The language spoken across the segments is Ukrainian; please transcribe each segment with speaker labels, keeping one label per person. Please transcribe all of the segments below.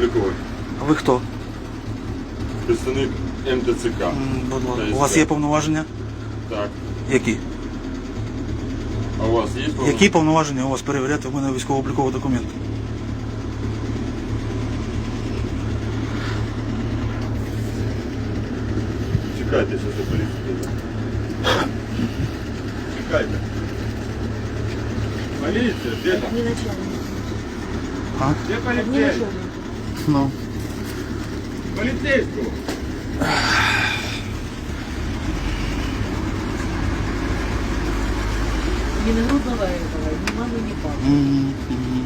Speaker 1: військово-обліковий.
Speaker 2: А ви хто?
Speaker 1: Представник МТЦК.
Speaker 2: Будь ласка.
Speaker 1: ТСК.
Speaker 2: У вас є повноваження?
Speaker 1: Так.
Speaker 2: Які?
Speaker 1: А у вас є повноваження?
Speaker 2: Які повноваження у вас перевіряти в мене військово-обліковий документ?
Speaker 1: Чекайте, що за поліція. Чекайте. Поліція, де там?
Speaker 3: Не начальник.
Speaker 2: А?
Speaker 1: Де
Speaker 3: Не
Speaker 1: поліцейський?
Speaker 3: начальник.
Speaker 2: Ну.
Speaker 1: Поліцейського.
Speaker 3: Не нагрудного этого, ни мамы, ни папы.
Speaker 2: Мгм.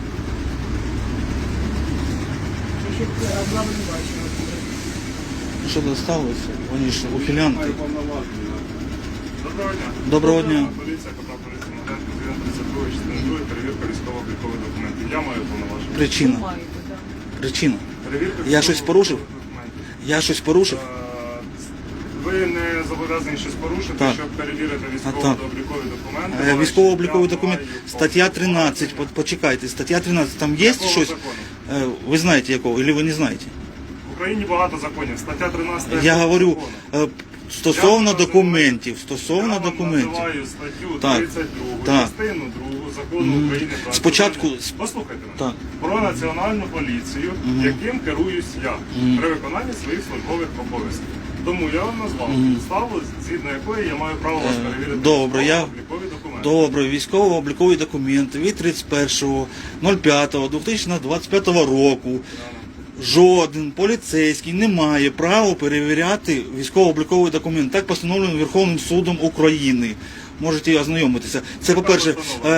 Speaker 3: Я ще главу не бачила.
Speaker 2: Що досталося? Вони ж ухилянти.
Speaker 1: Маю повноваження. Доброго дня.
Speaker 2: Доброго дня.
Speaker 1: Поліція, капітан поліції Моденко, 32 частини 2, перевірка військово-облікових документів. Я маю повноваження.
Speaker 2: Причина.
Speaker 3: Маєте, да.
Speaker 2: Причина.
Speaker 1: Перевірка
Speaker 2: Я щось порушив?
Speaker 1: військово-облікових документів.
Speaker 2: Я щось порушив?
Speaker 1: Ви не зобов'язані щось порушити,
Speaker 2: Так.
Speaker 1: щоб перевірити
Speaker 2: так.
Speaker 1: військово-облікові документи.
Speaker 2: Військово-обліковий
Speaker 1: Я
Speaker 2: документ.
Speaker 1: маю
Speaker 2: Стаття 13.
Speaker 1: повноваження.
Speaker 2: Почекайте. Стаття 13. Там є
Speaker 1: Якого
Speaker 2: щось?
Speaker 1: закону?
Speaker 2: Ви знаєте якого, або ви не знаєте?
Speaker 1: В Україні багато законів. Стаття 13.
Speaker 2: Я говорю
Speaker 1: закону.
Speaker 2: стосовно
Speaker 1: Я
Speaker 2: документів. Стосовно
Speaker 1: Я вам
Speaker 2: документів.
Speaker 1: називаю статтю
Speaker 2: Так.
Speaker 1: 32,
Speaker 2: Так.
Speaker 1: частину 2 закону України про
Speaker 2: Спочатку-
Speaker 1: національну- Послухайте мене.
Speaker 2: Так.
Speaker 1: Про національну поліцію, яким керуюсь я при виконанні своїх службових обов'язків. Тому я вам назвав підставу, згідно якої я маю право вас перевірити.
Speaker 2: Добре,
Speaker 1: військово-облікові документи.
Speaker 2: Добре, військово-облікові документи від 31.05.2025 року. Жоден поліцейський не має права перевіряти військово-обліковий документ. Так постановлено Верховним судом України. Можете ознайомитися. Це по-перше.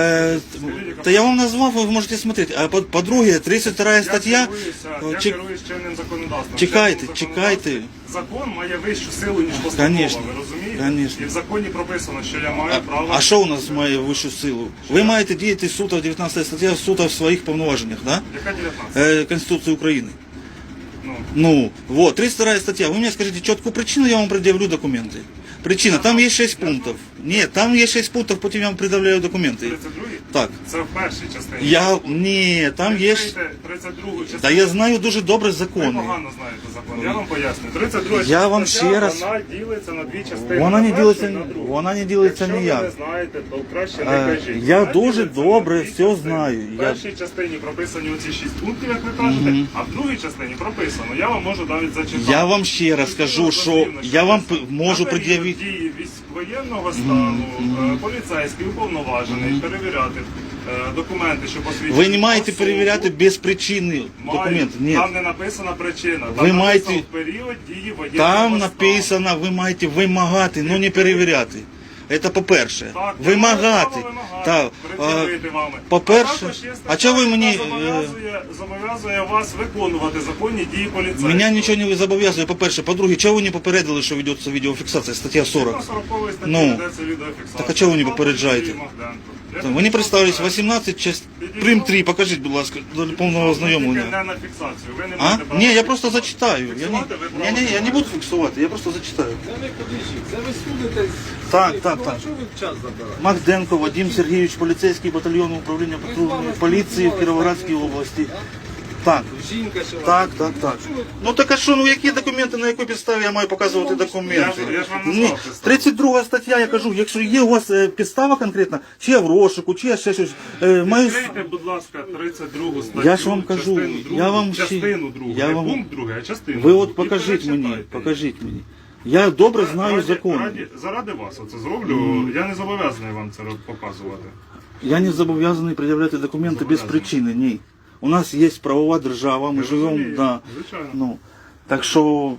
Speaker 2: Та я вам назвав, ви можете смотрети. А по-друге, 32 стаття.
Speaker 1: Я
Speaker 2: Чек-
Speaker 1: керуюсь чинним законодавством.
Speaker 2: Чекайте,
Speaker 1: Чинним
Speaker 2: чекайте.
Speaker 1: законодавством Закон має вищу силу, ніж постанова,
Speaker 2: Конечно,
Speaker 1: ви розумієте?
Speaker 2: конечно.
Speaker 1: І в законі прописано, що я маю право...
Speaker 2: А що у нас має вищу силу? Ви маєте діяти суто 19 стаття суто в своїх повноваженнях, да?
Speaker 1: Яка 19?
Speaker 2: Конституції України.
Speaker 1: Ну,
Speaker 2: Ну, вот, 32 статья. Вы мне скажите четкую причину, я вам предъявлю документы. Причина, там есть 6 пунктов. Нет, там есть 6 пунктов, потом я вам предъявляю документы.
Speaker 1: 32-й?
Speaker 2: Так.
Speaker 1: Це в першій частині.
Speaker 2: Ні, там є...
Speaker 1: Відкрийте 32-гу частину.
Speaker 2: Да я знаю дуже добре
Speaker 1: Ви
Speaker 2: закони.
Speaker 1: погано знаєте закон. Я вам поясню. 32
Speaker 2: Я вам
Speaker 1: стаття,
Speaker 2: ще раз-
Speaker 1: вона ділиться на дві частини.
Speaker 2: Вона
Speaker 1: на
Speaker 2: не
Speaker 1: першу
Speaker 2: ділиться,
Speaker 1: і на другу.
Speaker 2: вона не ділиться
Speaker 1: Якщо
Speaker 2: ніяк.
Speaker 1: ви не знаєте, то краще не кажіть.
Speaker 2: Я
Speaker 1: Вона
Speaker 2: дуже
Speaker 1: ділиться
Speaker 2: добре
Speaker 1: на дві
Speaker 2: все
Speaker 1: частини.
Speaker 2: знаю.
Speaker 1: В першій частині прописані оці 6 пунктів, як ви кажете, а в другій частині прописано. Я вам можу навіть зачитати.
Speaker 2: Я вам ще раз скажу, що я вам можу пред'явити...
Speaker 1: Дії воєнного стану, поліцейський уповноважений перевіряти документи, що посвідчують
Speaker 2: Ви не маєте
Speaker 1: особу.
Speaker 2: перевіряти без причини
Speaker 1: Маю.
Speaker 2: документи. Ні.
Speaker 1: Там не написана причина. Там
Speaker 2: Ви
Speaker 1: написано
Speaker 2: маєте-
Speaker 1: в період дії воєнного
Speaker 2: Там
Speaker 1: стану.
Speaker 2: написано, ви маєте вимагати, але не перевіряти. Це по-перше.
Speaker 1: Так, я маю
Speaker 2: Вимагати.
Speaker 1: право вимагати,
Speaker 2: Так,
Speaker 1: пред'явити вами.
Speaker 2: по-перше,
Speaker 1: також є стаття,
Speaker 2: а чого ви
Speaker 1: яка
Speaker 2: мені,
Speaker 1: зобов'язує вас виконувати законні дії поліцейського.
Speaker 2: Мене нічого не зобов'язує, по-перше. По-друге, чого ви не попередили, що ведеться відеофіксація, стаття 40?
Speaker 1: На 40-й статті
Speaker 2: Ну,
Speaker 1: ведеться відеофіксація.
Speaker 2: так а чого ви не попереджаєте?
Speaker 1: Юрій Магденко. Я
Speaker 2: Ви не представились,
Speaker 1: підійшов
Speaker 2: 18, часть, прим 3, покажіть, будь ласка, до повного
Speaker 1: Тільки
Speaker 2: ознайомлення.
Speaker 1: не на фіксацію. Ви не
Speaker 2: А?
Speaker 1: маєте права
Speaker 2: Ні, я просто
Speaker 1: фіксувати.
Speaker 2: зачитаю.
Speaker 1: Фіксувати ви право
Speaker 2: Я не
Speaker 1: маєте.
Speaker 2: буду фіксувати, я просто зачитаю.
Speaker 4: Це не подвіжчик, це ви судитесь.
Speaker 2: Так,
Speaker 4: Ну,
Speaker 2: так,
Speaker 4: а
Speaker 2: так.
Speaker 4: що ви час забираєте?
Speaker 2: Магденко Вадим Сергійович, поліцейський батальйон управління патрульної поліції в Кіровоградській області. Так,
Speaker 4: Жінка ще
Speaker 2: так, так, так. Ну так а що, ну які документи, на якій підставі я маю показувати документи?
Speaker 1: Я ж вам
Speaker 2: Ні,
Speaker 1: назвав підставу.
Speaker 2: 32 стаття, я кажу, якщо є у вас підстава конкретна, чи я в розшуку, чи я ще щось, маю...
Speaker 1: Відкрийте, будь ласка, 32 статтю.
Speaker 2: Я ж вам кажу,
Speaker 1: частину другу,
Speaker 2: я вам ще-
Speaker 1: частину другу,
Speaker 2: я
Speaker 1: не
Speaker 2: вам-
Speaker 1: пункт другий, а частину
Speaker 2: Ви
Speaker 1: другу.
Speaker 2: от
Speaker 1: І
Speaker 2: покажіть мені,
Speaker 1: перечитайте.
Speaker 2: покажіть мені. Я добре знаю закон.
Speaker 1: Заради вас оце зроблю, я не зобов'язаний вам це показувати.
Speaker 2: Я не зобов'язаний пред'являти документи без
Speaker 1: Зобов'язаний.
Speaker 2: причини, ні. У нас є правова держава, ми
Speaker 1: Я
Speaker 2: живемо,
Speaker 1: розумію,
Speaker 2: да.
Speaker 1: звичайно.
Speaker 2: Ну, так що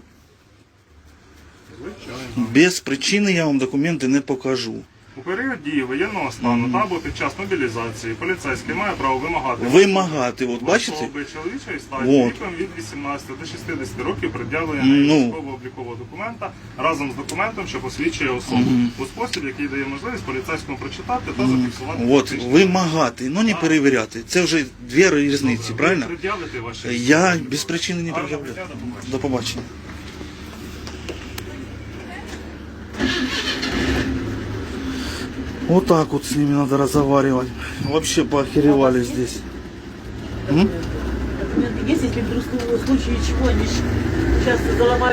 Speaker 1: Звичайно.
Speaker 2: без причини я вам документи не покажу.
Speaker 1: У період дії воєнного стану та або під час мобілізації поліцейський має право вимагати
Speaker 2: Вимагати, от
Speaker 1: в
Speaker 2: бачите?
Speaker 1: особи чоловічої статі
Speaker 2: Вот.
Speaker 1: віком від 18 до 60 років пред'явлення
Speaker 2: Ну.
Speaker 1: військово-облікового документа разом з документом, що посвідчує особу у спосіб, який дає можливість поліцейському прочитати та зафіксувати
Speaker 2: От,
Speaker 1: фактичні
Speaker 2: вимагати, ну не перевіряти. Це вже дві різниці,
Speaker 1: Ви
Speaker 2: правильно?
Speaker 1: пред'явите ваші
Speaker 2: Я
Speaker 1: документи?
Speaker 2: без причини не
Speaker 1: Гарного
Speaker 2: пред'являю.
Speaker 1: дня, до побачення.
Speaker 2: До побачення. Вот так вот с ними надо разговаривать. Вообще поохеревали здесь.
Speaker 3: Документы есть, если если вдруг в случае чего они сейчас заломают.